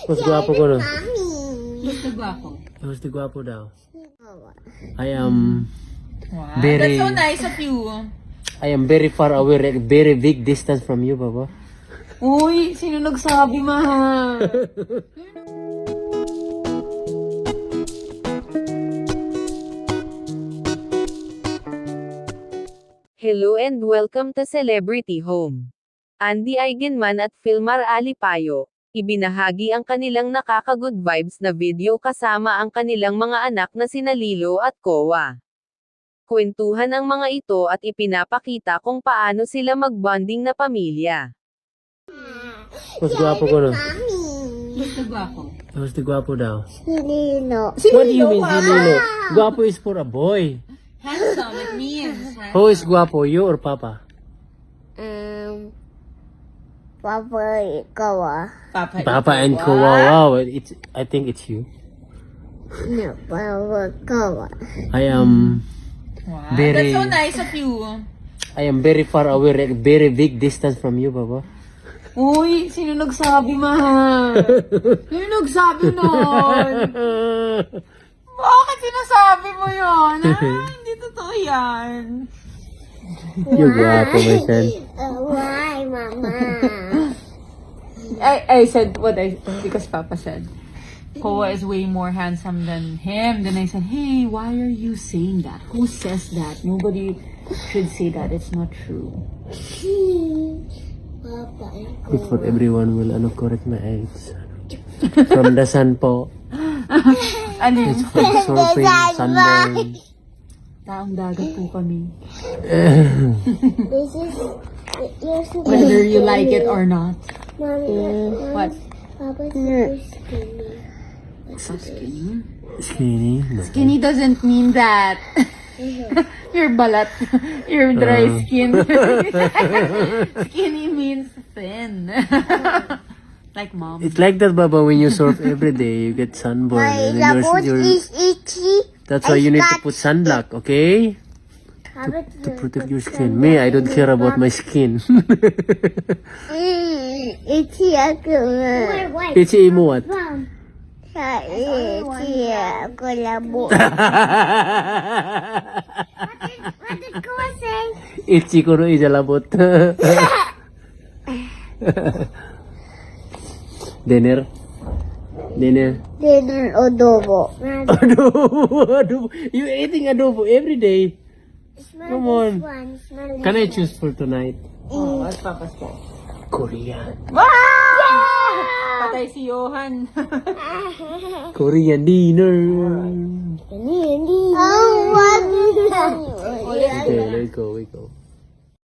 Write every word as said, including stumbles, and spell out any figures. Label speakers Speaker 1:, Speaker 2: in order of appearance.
Speaker 1: Mas gwapo ko no?
Speaker 2: Gusto gwapo.
Speaker 1: Mas di gwapo daw. I am
Speaker 2: Wow.
Speaker 1: very,
Speaker 2: That's so nice of you.
Speaker 1: I am very far away, like, very big distance from you, Papa.
Speaker 2: Uy, sino nagsabi, mahal?
Speaker 3: Hello and welcome to Celebrity Home. Andy Eigenman at Filmar Alipayo, ibinahagi ang kanilang nakaka-good vibes na video kasama ang kanilang mga anak na sina Lilo at Kowa. Kwentuhan ang mga ito at ipinapakita kung paano sila mag-bonding na pamilya.
Speaker 1: Mas gwapo ko no?
Speaker 2: Gusto gwapo.
Speaker 1: Mas di gwapo daw.
Speaker 4: Lilo.
Speaker 1: What do you mean, si Lilo? Gwapo is for a boy.
Speaker 2: Handsome, it means.
Speaker 1: Who is gwapo, you or Papa?
Speaker 4: Um, Papa, ikaw ah.
Speaker 2: Papa,
Speaker 1: Papa and Kowa. Wow, it's, I think it's you.
Speaker 4: No, Papa, ikaw ah.
Speaker 1: I am
Speaker 2: Wow.
Speaker 1: very,
Speaker 2: That's so nice of you.
Speaker 1: I am very far away, like, very big distance from you, Papa.
Speaker 2: Uy, sino nagsabi, mahal? Sino nagsabi nun? Bakit sinasabi mo yun? Ah, hindi totoo yan.
Speaker 1: You're gwapo, my son.
Speaker 4: Uh, why, Mama?
Speaker 2: I, I said what I, because Papa said, Koa is way more handsome than him. Then I said, hey, why are you saying that? Who says that? Nobody should say that. It's not true.
Speaker 4: Papa,
Speaker 1: Good for everyone will ano correct my age. From the sun po.
Speaker 2: Ano yun?
Speaker 1: It's from surfing, sunburn.
Speaker 2: Taong dagat po kami.
Speaker 4: this is, you're so
Speaker 2: Whether you like it or not.
Speaker 4: Mommy,
Speaker 2: What?
Speaker 4: Papa's so skinny.
Speaker 2: So skinny?
Speaker 1: Skinny? No.
Speaker 2: Skinny doesn't mean that. You're balat. You're dry
Speaker 1: Uh.
Speaker 2: skin. Skinny means thin. Like mom.
Speaker 1: It's like that, Baba, when you surf every day, you get sunburn.
Speaker 4: My
Speaker 1: And then
Speaker 4: lapot
Speaker 1: you're, you're,
Speaker 4: is itchy.
Speaker 1: that's why you need to put sunblock, okay?
Speaker 4: Papa,
Speaker 1: To protect your skin. Me, I don't care about my skin.
Speaker 4: Mm, itchy ako.
Speaker 1: Itchy mo what?
Speaker 4: Mom. Sa itchy ako labo. What did Koa say?
Speaker 1: Itchy ko rin ijalabot. Dinner? Dinner?
Speaker 4: Dinner adobo.
Speaker 1: Adobo, adobo. You eating adobo every day. Come on. Can I choose for tonight?
Speaker 2: Oh, what's Papa's fault?
Speaker 1: Korean.
Speaker 2: Patay si Johan.
Speaker 1: Korean dinner.
Speaker 4: Oh, what?
Speaker 1: Okay, let's go, we go.